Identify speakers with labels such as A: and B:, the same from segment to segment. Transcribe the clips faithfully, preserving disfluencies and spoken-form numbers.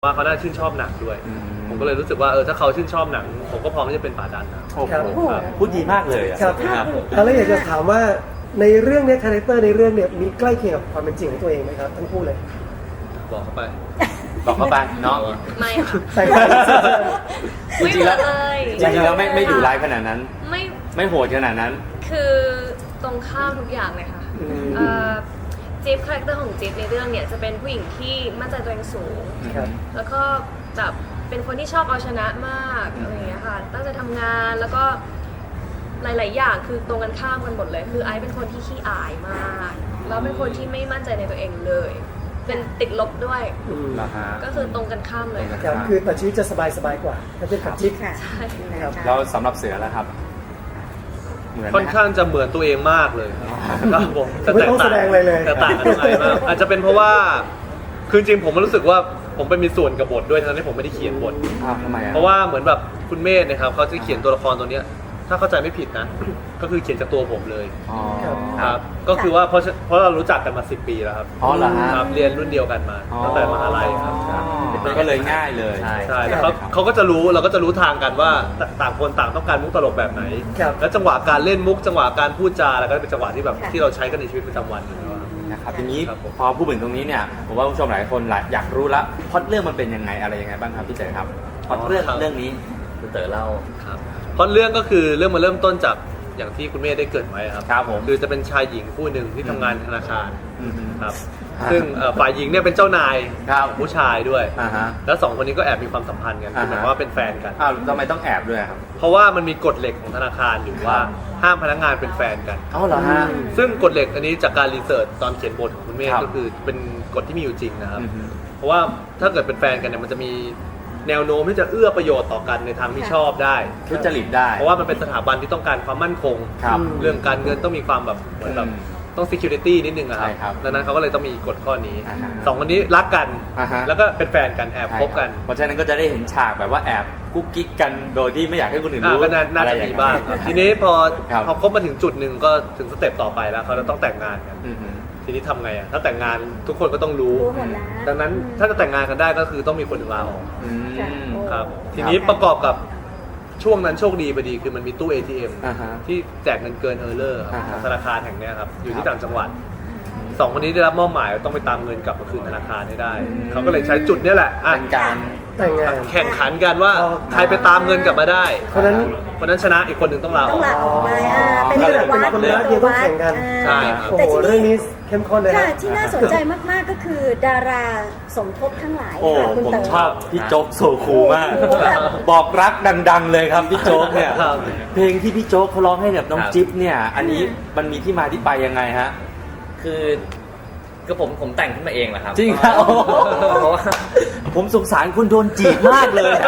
A: ว่าเขาน่าชื่นชอบหนังด้วยผมก็เลยรู้สึกว่าเออถ้าเขาชื่นชอบหนังผมก็พร้อมที่จะเป็นป่าดันนะ
B: โอ้โหพูดดีมากเลยอะ
C: ครับ
B: ครับ
C: แล้วอยากจะถามว่าในเรื่องเนี้ยคาแรคเตอร์ในเรื่องเนี่ยมีใกล้เคียงกับความเป็นจริงของตัวเองไหมครับทั้งคู่เลย
A: บอกเขาไป
B: บอกเข้าไปเนาะ
D: ไม่ค่ะ
C: ใส่
B: จริงๆแล้ว
D: ไม่เหมือนเลย
B: จริงๆแล้วไม่ไม่ดุร้ายขนาดนั้น
D: ไม่
B: ไม่โหดขนาดนั้น
D: คือตรงข้ามทุกอย่างเลยค่ะเอ่อจิ๊บคาแรคเตอร์ของจิ๊บในเรื่องเนี่ยจะเป็นผู้หญิงที่มั่นใจตัวเองสูง
C: ครับ
D: แล้วก็แบบเป็นคนที่ชอบเอาชนะมากอะไรอย่างเงี้ยค่ะตั้งใจทำงานแล้วก็หลาย ๆ อย่างคือตรงกันข้ามกันหมดเลย คือไอซ์เป็นคนที่ขี้อายมากแล้วเป็นคนที่ไม่มั่นใจในตัวเองเลย เป็นติดลบด้วย
C: อืม
B: นะฮะ
D: ก็คือตรงกันข้ามเลยค่ะ
C: ครับคือแต่ชีวิตจะสบายสบายๆกว่าถ้าเป็นกับจิ๊บ
E: ค่ะ
D: ใช่
C: ครับ
B: แล้วสำหรับเสือแล้วครับ เหมือนไหม
A: ค่อนข้างจะเหมือนตัวเองมากเลยครับผม
C: ไม่ต้องแสดงอะไรเลย
A: แต่ต่างกันตรงไหนมากอาจจะเป็นเพราะว่าคือจริงๆผมรู้สึกว่าผมไปมีส่วนกับบทด้วยทั้งที่ผมไม่ได้เขียนบท
B: อ้าวทำไมอ่ะ
A: เพราะว่าเหมือนแบบคุณเมธเนะครับเขาจะเขียนตัวละครตัวเนี้ยถ้าเข้าใจไม่ผิดนะ ก็คือเขียนจากตัวผมเลย
B: อ๋อ
A: ครับก็คือว่าเพราะเพราะเรารู้จักกันมาสิบปีแล้วครับ
B: อ๋อเหรอฮะ
A: ครับเรียนรุ่นเดียวกันมาตั้งแต่มหาลัยครับ
B: อ๋อก็เลยง่ายเลย
A: ใช่แล้วเขาเขาก็จะรู้เราก็จะรู้ทางกันว่าต่างคนต่างต้องการมุกตลกแบบไหน
C: ครับ
A: แล้วจังหวะการเล่นมุกจังหวะการพูดจาแล้วก็เป็นจังหวะที่แบบที่เราใช้กันในชีวิตประจำวันอยู่แล้วครับ
B: นะครับทีนี้
A: ครับผม
B: พอพูดถึงตรงนี้เนี่ยผมว่าผู้ชมหลายคนหลายอยากรู้ละพล็อตเรื่องมันเป็นยังไงอะไรยังไงบ้างครับพี่เจ๋ครับพล็อตเรื่องเรื่องนี้คุณเต๋อเล่า
A: ครับเพราะเรื่องก็คือเรื่องมาเริ่มต้นจากอย่างที่คุณเมธได้เกริดไว้ครับ
B: ครับผม
A: คือจะเป็นชายหญิงคู่หนึ่งที่ทำงานธนาคาร
B: อืม
A: ครับ
B: อ่า
A: ซึ่งเอ่อฝ่ายหญิงเนี่ยเป็นเจ้านาย
B: ครับ
A: ผู้ชายด้วย
B: อ่าฮะ
A: แล้วสองคนนี้ก็แอบมีความสัมพันธ์กัน
B: อ่า
A: คือห
B: ฮะ
A: มายความว่าเป็นแฟนกัน
B: อ้าวทำไมต้องแอบด้วยครับ
A: เพราะว่ามันมีกฎเหล็กของธนาคารอยู่ว่าห้ามพนักงานเป็นแฟนกัน
B: อ๋อเหรอฮะ
A: ซึ่งกฎเหล็กอันนี้จากการรีเสิร์ชตอนเขียนบทของคุณเมธ
B: ครับ
A: ก็คือเป็นกฎที่มีอยู่จริงนะครับ
B: อือฮึ
A: เพราะว่าถ้าเกิดเป็นแฟนกันเนี่ยมันจะมีแนวโน้มที่จะเอื้อประโยชน์ต่อกันในทางที่ชอบได้
B: ทุจริตได้
A: เพราะว่ามันเป็นสถาบันที่ต้องการความมั่นคง
B: ครับ
A: เรื่องการเงินต้องมีความแบบเหมือนแบบ
B: อืม
A: ต้อง security นิดนึงอะครั
B: ใช่ครับ
A: ดังนั้นเขาก็เลยต้องมีกฎข้อนี้
B: อ่าฮะ
A: สองคนนี้รักกัน
B: อ่าฮะ
A: แล้วก็เป็นแฟนกันแอบคบกัน
B: เพราะฉะนั้นก็จะได้เห็นฉากแบบว่าแอบกุ๊กกิ๊กกันโดยที่ไม่อยากให้คนอื่น
A: อ่า
B: รู้
A: ก็น่าน่า
B: อะไร
A: จะ
B: อย่
A: มี
B: นั้น
A: บ้างครับทีนี้พอ
B: ครับ
A: พอคบมาถึงจุดหนึ่งก็ถึงสเต็ปต่อไปแล้วเขาจะต้องแต่งงานกัน
B: อือฮึ
A: ทีนี้ทำไงอ่ะถ้าแต่งงานทุกคนก็ต้องรู้
E: รู้หมดแล้ว
A: ดังนั้นถ้าจะแต่งงานกันได้ก็คือต้องมีคนหนึ่งลาออก
B: อืม
E: ค่ะโอ้
A: ครับ ทีนี้ประกอบกับช่วงนั้นโชคดีพอดีคือมันมีตู้ เอ ที เอ็ม
B: อ่าฮะ
A: ที่แจกเงินเกินเออร์เลอร์
B: อ่าฮะ
A: ของธนาคารแห่งเนี้ยครับอยู่
B: ครั
A: ที่
B: บ
A: ต่างจังหวัดสองคนนี้ได้รับมอบหมายว่าต้องไปตามเงินกลับมาคืนธนาคารให้ได้ เขาก็เลยใช้จุดเนี้ยแหละอ่ะ
B: เป็นการ
C: แต่งงาน
A: แข่งขันกันว่า
C: อ๋อ
A: ใครไปตามเงินกลับมาได้
C: คนนั้น
A: คนนั้นชนะอีกคนหนึ่งต้องลาอ
E: ต้อ
A: อง ก
E: ลาออกไปอ่าเป็น
C: ก็
E: ตัว
C: เลยเป็น
E: วัด
C: คนรักเดียวต้องแข่งกัน
A: ใช่ครับ
C: โอ้
E: แต่
C: โห
E: ที
C: เรื่อง
E: นี้
C: นี้เข้มข้นเลย
E: ค่ะ
C: นะ
E: ที่น่าสนใจมากๆก็คือดาราสมทบทั้งหลาย
B: โอ้
E: ค่ะคุณ
B: ผม
E: เต๋อ
B: ชอบพี่โจ๊กโซคูมาก
E: โอ้โหแบบ
B: บอกรักดัง ๆ เลยครับพี่โจ๊กเนี่ย
A: ครับ
B: เพลงที่พี่โจ๊กเขาร้องให้แบบน้อง
F: ครับ
B: จิ๊บเนี่ย อันนี้มันมีที่มาที่ไปยังไงฮะ
F: คือก็ผมผมแต่งขึ้นมาเองแหละครับ
B: จริงครับ
F: เพราะว่า
B: ผมสงสารคุณโดนจีบมากเลยอะ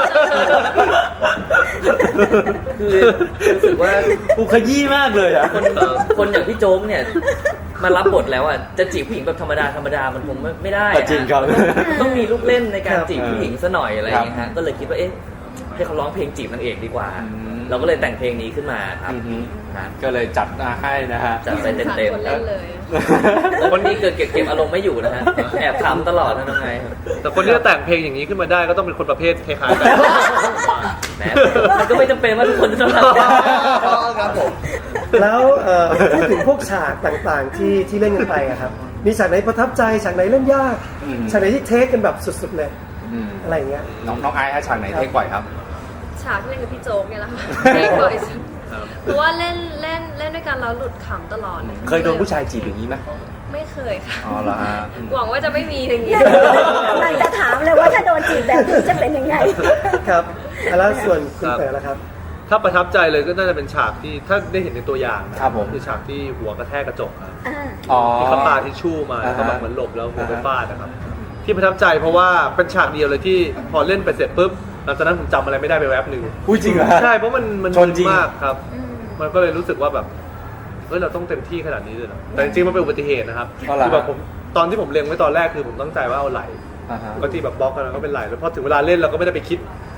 F: คือรู้สึกว่า
B: กูขยี้มากเลยอ่ะ
F: คนคนอย่างพี่โจ๊กเนี่ยมารับบทแล้วอ่ะจะจีบผู้หญิงแบบธรรมดาธรรมดามันคงไม่ไม่ได้อะ
B: จริงครับ
F: ต้องมีลูกเล่นในการ
C: ครับ
F: จีบผู้หญิงซะหน่อยอะไรอย่างเงี้ยฮะก็เลยคิดว่าเอ๊ะให้เขาร้องเพลงจีบนางเอกดีกว่า
B: อืม
F: เราก็เลยแต่งเพลงนี้ขึ้นมาครับ
B: อือฮึ
F: ฮะ
B: ก็เลยจัดมาให้นะฮะ
F: จัดไปเต็ม
D: คน
F: ๆ
D: เล่นเลย
F: แต่คนนี้เกิดเก็บเก็บอารมณ์ไม่อยู่นะฮะแอบขำตลอดนะน้องไงครับ
A: แต่คนที่จะแต่งเพลงอย่างนี้ขึ้นมาได้ก็ต้องเป็นคนประเภทคล้ายๆกัน
F: แหมมันก็ไม่จำเป็นว่าทุกคนจะต้องทำได้ครับผม
C: แล้วเอ่อพูดถึงพวกฉากต่างๆที่ที่เล่นกันไปอะครับ มีฉากไหนประทับใจฉากไหนเล่นยาก
B: อืม
C: ฉากไหนที่เทคกันแบบสุดๆเลย
B: อืม
C: อะไรอย่างเงี้ย
B: น้องน้องไอซ์ฮะฉากไหนเท่กว่าครับ
D: ฉากที่เล่นกับพี่โจ๊กเนี่ยแหละค่ะเล่นบ่อยสุดเพราะว่าเล่นเล่นเล่นด้วยกันแล้วหลุดขำตลอดล
B: เคยโดนผู้ชายจีบอย่างนี้ไหม
D: ไม่เคยค่ะ
B: อ๋อเหรอฮะ
D: หวังว่าจะไม่มีอย่างนี้
E: กำลังจะถามเลยว่าถ้าโดนจีบแบบนี้จะเป็นยังไง
C: ครับแล้วส่วนคุณ
A: ครับ
C: เต๋อละครับ
A: ถ้าประทับใจเลยก็น่าจะเป็นฉากที่ถ้าได้เห็นในตัวอย่างนะครับ
B: ผม
A: คือฉากที่หัวกระแทกกระจกครับ
E: อ่า
B: อ๋อ
A: ที่เขาปาทิชชู่มาแล้วก็แบบ
B: อ่าฮะ
A: เหมือนหลบแล้วหัวไป
B: อ่าฮะ
A: ฟาดนะครับที่ประทับใจเพราะว่าเป็นฉากเดียวเลยที่พอเล่นไปเสร็จปุ๊บหลังจากนั้นผมจำอะไรไม่ได้ไปแวบหนึ่ง
B: พูดจริงเหรอฮะ
A: ใช่เพราะมันมัน
B: ชนจริง
A: มากครับ
E: อืม
A: มันก็เลยรู้สึกว่าแบบเฮ้ยเราต้องเต็มที่ขนาดนี้เลยเหรอแต่จริงๆมันเป็นอุบัติเหตุนะครับ
B: อ๋อเหรอ
A: คือแบบผมตอนที่ผมเล็งไว้ตอนแรกคือผมตั้งใจว่าเอาไหล
B: อ่าฮะ
A: ปกติแบบบล็อกกันแล้วก็เป็นไหลแล้วพอถึงเวลาเล่นเราก็ไม่ได้ไปคิด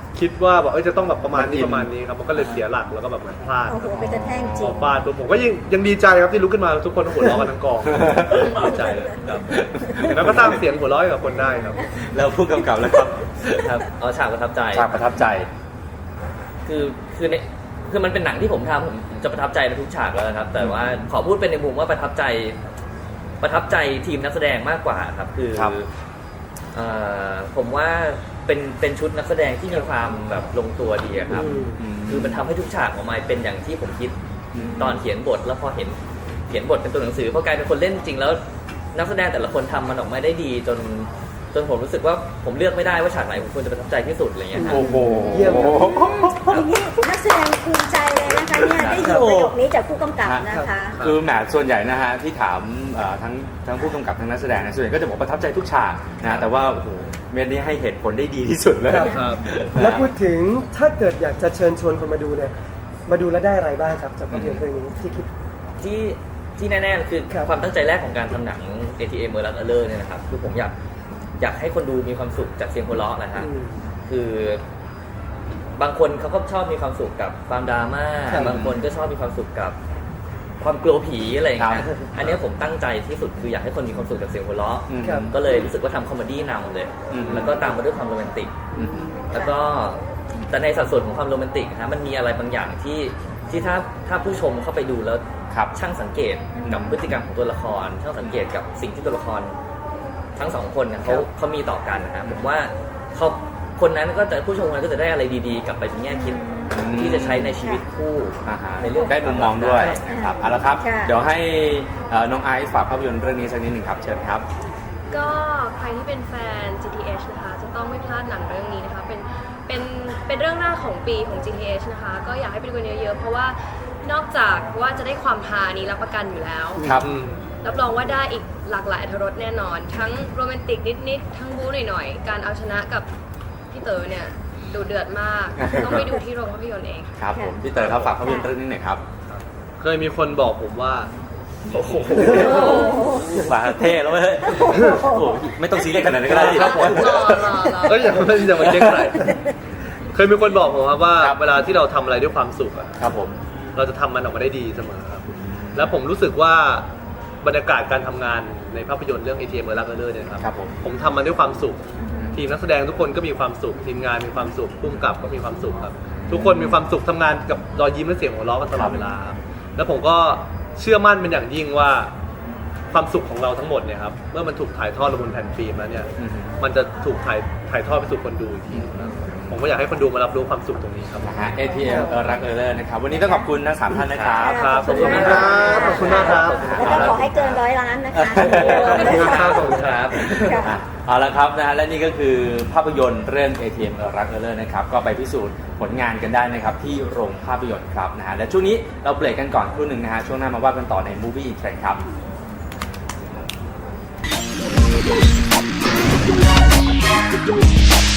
A: คิดว่าแบบเอ้ยจะต้องแบบประมาณนี้ประมาณนี้ครับมันก็เลยเสียหลักแล้วก็แบบเหมือนพลาด
E: โอ้โหไปกระแทกจริ
A: พอง ฟาดปุ๊บผมก็ยังยังดีใจครับที่ลุกขึ้นมาทุกคนหัวเราะกันทั้งกองดีใจเลยครับแล้วก็สร้างเสียงหัวเราะให้กับคนได้ครับ
B: แล้วผู้กำกับแล้วครับ
F: ครับเอาฉากประทับใจ
B: ฉากประทับใจ
F: คือคือในคือมันเป็นหนังที่ผมทำผมจะประทับใจในทุกฉากแล้วนะครับ แต่ว่าขอพูดเป็นในมุมว่าประทับใจประทับใจทีมนักแสดงมากกว่าครับคือ
B: ครับ
F: เอ่อผมว่าเป็นเป็นชุดนักแสดงที่มีความแบบลงตัวดีอะครับ
C: อืม
F: คือมันทำให้ทุกฉากออกมาเป็นอย่างที่ผมคิดตอนเขียนบทแล้วพอเห็นเขียนบทเป็นตัวหนังสือพอกลายเป็นคนเล่นจริงแล้วนักแสดงแต่ละคนทำมันออกมาได้ดีจนจนผมรู้สึกว่าผมเลือกไม่ได้ว่าฉากไหนผมควรจะประทับใจที่สุดอะไรเงี้ยครับ
B: โอ้โห
C: เยี่ยมครับ
E: อย่างนี้นักแสดงภูมิใจเลยนะคะเนี่ยได้ยินประโยคนี้จากผู้กำกับนะคะ
B: คือแหมส่วนใหญ่นะฮะที่ถามเอ่อทั้งทั้งผู้กำกับทั้งนักแสดงเนยส่วนใหญ่ก็จะบอกประทับใจทุกฉากนะแต่ว่าโอ้โหเมนนี้ให้เหตุผลได้ดีที่สุดเลย
C: ครับ
A: ครับ
C: แล้วพูดถึงถ้าเกิดอยากจะเชิญชวนคนมาดูเนี่ยมาดูแล้วได้อะไรบ้างครับจากภาพยนตร์เรื่องนี้ที่คิด
F: ที่ที่แน่ๆคือ
C: ครับ
F: ความตั้งใจแรกของการทำหนัง เอ ที เอ็ม เมอร์ลักเอเลอร์เนี่ยนะครับคือผมอยากอยากให้คนดูมีความสุขจากเสียงหัวเราะนะฮะ
C: อืม
F: คือบางคนเขาก็ชอบมีความสุขกับความดราม่า
C: ครับ
F: บางคนก็ชอบมีความสุขกับความกลัวผีอะไรอย่างเงี้ย
B: ครับ
F: อันเนี้ยผมตั้งใจที่สุดคืออยากให้คนมีความสุขกับเสียงหัวเราะ
B: อืม
C: ครับ
F: ก็เลยรู้สึกว่าทำคอมเมดี้นำเลย
B: อืม
F: แล้วก็ตามมาด้วยความโรแมนติก
B: อืม
F: แล้วก็แต่ในสัดส่วนของความโรแมนติกนะฮะมันมีอะไรบางอย่างที่ที่ถ้าถ้าผู้ชมเข้าไปดูแล้ว
B: ครับ
F: ช่างสังเกตกับพฤติกรรมของตัวละคร ช่างสังเกตกับสิ่งที่ตัวละคร ทั้งสองคนเนี่ยเขา
C: ครับ
F: เขามีต่อกันนะฮะผมว่าเขาคนนั้นก็จะผู้ชมคนนั้นก็จะได้อะไรดีๆ กลับไปเป็นแง่คิด
B: อืม
F: ที่จะใช้ในชีวิตคู่
B: อ่าฮะ
F: ในเรื่อง
B: ได้มุมมองด้วยนะครับเอาละครับ
E: ค่ะ
B: เดี๋ยวให้เอ่อน้องไอซ์ฝากภาพยนตร์เรื่องนี้สักนิดหนึ่งครับเชิญครับ
D: ก็ใครที่เป็นแฟน จี ที เอช นะคะจะต้องไม่พลาดหนังเรื่องนี้นะคะเป็นเป็นเป็นเรื่องหน้าของปีของ จี ที เอช นะคะก็อยากให้ไปดูกันเยอะๆเพราะว่านอกจากว่าจะได้ความฮานี้รับประกันอยู่แล้ว
B: ครับ
D: รับรองว่าได้อีกหลากหลายอรรถรสแน่นอน ทั้งโรแมนติกนิดๆทั้งบู๊หน่อยๆการเอาชนะกับพี่เต๋อเนี่ยดูเดือดมาก ต้องไปดูที่โรงภาพยนตร์เอง
B: ครับผมพี่เต๋อครับฝากภาพยนตร์เรื่องนี้หน่อยครับ
A: เคยมีคนบอกผมว่า
B: โอ้โหฝาเท่แล้วเว้ยโอ้โหไม่ต้องซีเรียสขนาดนั้นก็ได้ดิ
A: ครับผม
D: รอรอรอ
A: เอ้ยอย่ามาอย่ามาเจ๊งใส่เคยมีคนบอกผมครับว่า
B: ครับ
A: เวลาที่เราทำอะไรด้วยความสุขอะ
B: ครับผม
A: เราจะทำมันออกมาได้ดีเสมอครับ แล้วผมรู้สึกว่าบรรยากาศการทำงานในภาพยนตร์เรื่อง เอ ที เอ็ม เมอร์ลักเอเลอร์เนี่ยครับ
B: ครับผม
A: ผมทำมันด้วยความสุข ทีมนักแสดงทุกคนก็มีความสุข ทีมงานมีความสุขผู้กำกับก็มีความสุขครับ ทุกคนมีความสุขทำงานกับรอยยิ้มและเสียงหัวเราะกันตลอดเวลาครับแล้วผมก็เชื่อมั่นเป็นอย่างยิ่งว่าความสุขของเราทั้งหมดเนี่ยครับเมื่อมันถูกถ่ายทอดลงบนแผ่นฟิล์มแล้วเนี่ย
B: อือฮึ
A: มันจะถูกถ่ายถ่ายทอดไปสู่คนดูอีกทีครับผมก็อยากให้คนดูมารับรู้ความสุขตรงนี้ครับ
B: นะฮะ เอ ที เอ็ม เออรักเออเลอร์นะครับวันนี้ต้องขอบคุณทั้งสามท่านนะครับ
A: ครับ
C: ขอบคุณครับขอบคุณมากครับ
E: แล้วก็ขอให้เกินร้อยล้านนะคะ
A: ขอบคุณครับขอบคุณครับ
B: อ่ะเอาละครับนะฮะและนี่ก็คือภาพยนตร์เรื่อง เอ ที เอ็ม เออรักเออเลอร์นะครับก็ไปพิสูจน์ผลงานกันได้นะครับที่โรงภาพยนตร์ครับนะฮะและช่วงนี้เราเบรกกันก่อนครู่หนึ่งนะฮะช่วงหน้ามาว่ากันต่อใน Movie Trend ครับ
G: We'll be right back.